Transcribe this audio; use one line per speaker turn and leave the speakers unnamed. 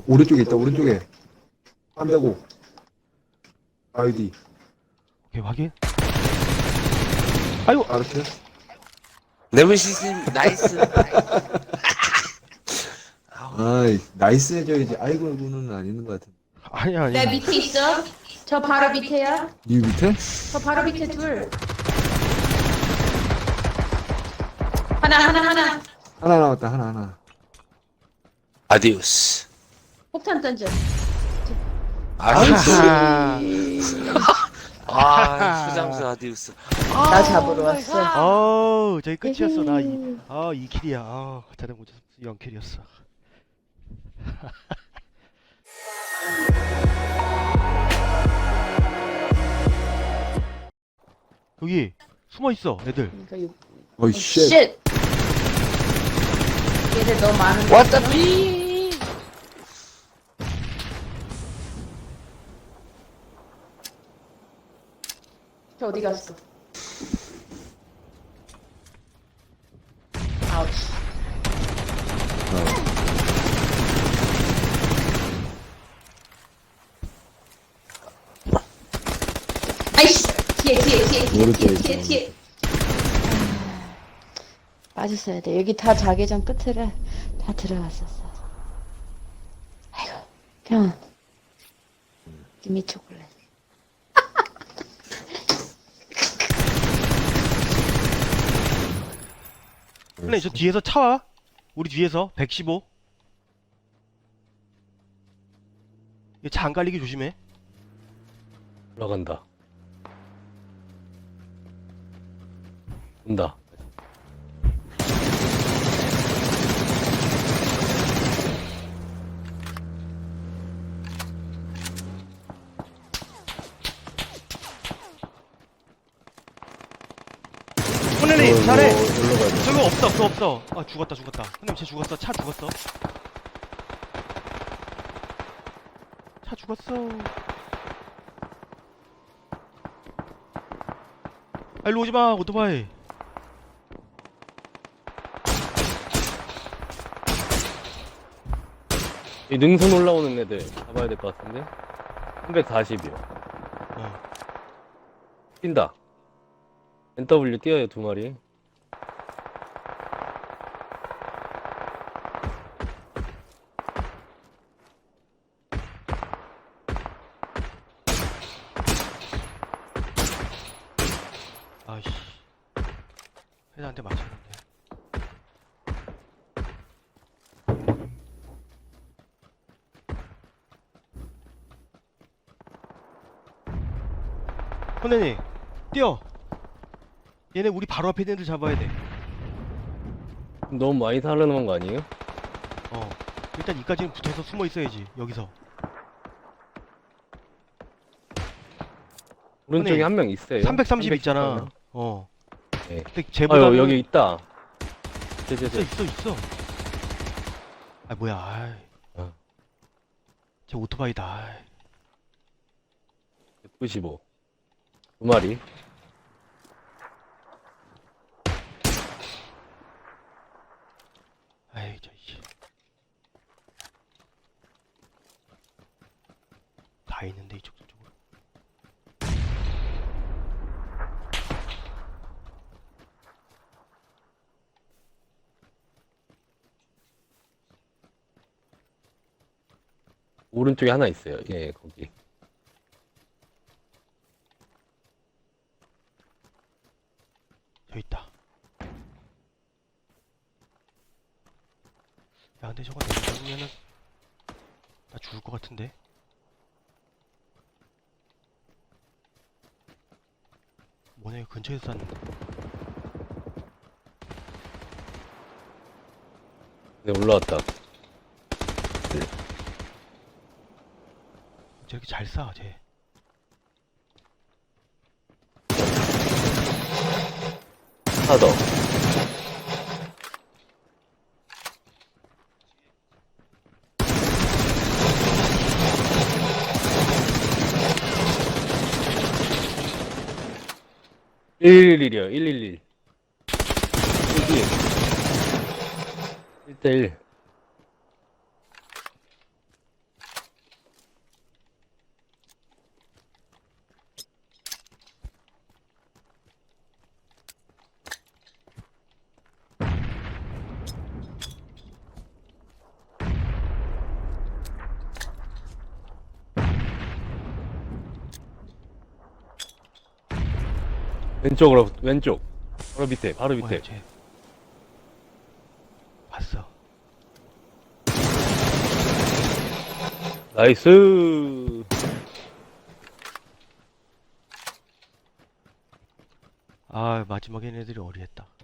오른쪽에 있다, 오른쪽에. 305. 아이디.
오케이, 확인. 아이고!
알았어요?
네메시스님 나이스.
아이, 나이스 해줘야지. 아이고는 안 있는 것 같은데.
아니야,
내
아니야.
밑에 있어. 저 바로 밑에야.
니 밑에?
저 바로 밑에 둘. 하나.
하나 남았다, 하나.
아디오스.
폭탄 던져.
아디오스.
아하.
아, 수장수 아디오스.
나 잡으러 왔어.
어우, 저기 끝이었어. 나 2킬이야. 자네 못했어. 0킬이었어. 여기 숨어 있어, 애들.
어이, 쉣.
쉣. 얘들 너무 많은 거.
왔다 비.
저 어디 갔어? 아우치. 아이씨.
오른쪽에
뒤에. 빠졌어야 돼. 여기 다 자개장 끝으로 다 들어갔었어. 아이고, 그냥 김이 초콜릿.
근데 저 뒤에서 차 와. 우리 뒤에서 115. 차 안 깔리게 조심해.
올라간다. 온다.
혼내니 잘해.
올라가야 돼.
저거 없어, 그거 없어. 아, 죽었다. 형님, 쟤 죽었어. 차 죽었어. 차 죽었어. 아, 일로 오지 마, 오토바이.
이 능선 올라오는 애들 잡아야 될 것 같은데? 340이요.
어.
뛴다. NW 뛰어요, 2마리.
아이씨. 회사한테 맞췄는데. 혼내니, 뛰어. 얘네 우리 바로 앞에 있는 애들 잡아야 돼.
너무 많이 살아남은 거 아니에요?
일단 이까지는 붙어서 숨어 있어야지, 여기서.
오른쪽에
아니,
한 명 있어요.
330 있잖아.
310 네.
근데 쟤보다는
아유, 여기 있다.
있어. 아, 뭐야, 아이.
어.
쟤 오토바이다, 아이.
195. 2마리.
아이, 씨. 다 있는데, 이쪽, 저쪽으로.
오른쪽에 하나 있어요. 예, 거기.
저 있다. 야, 근데 저거 내가 잡으면은 나 죽을 것 같은데. 뭐냐, 이거 근처에서 쐈는데.
네, 올라왔다.
저렇게 잘 쏴, 쟤.
하나 더. (111이요) 111 1대1 왼쪽으로, 왼쪽. 바로 밑에, 바로 밑에.
뭐야, 쟤. 봤어.
나이스.
아, 마지막에 애들이 어리했다.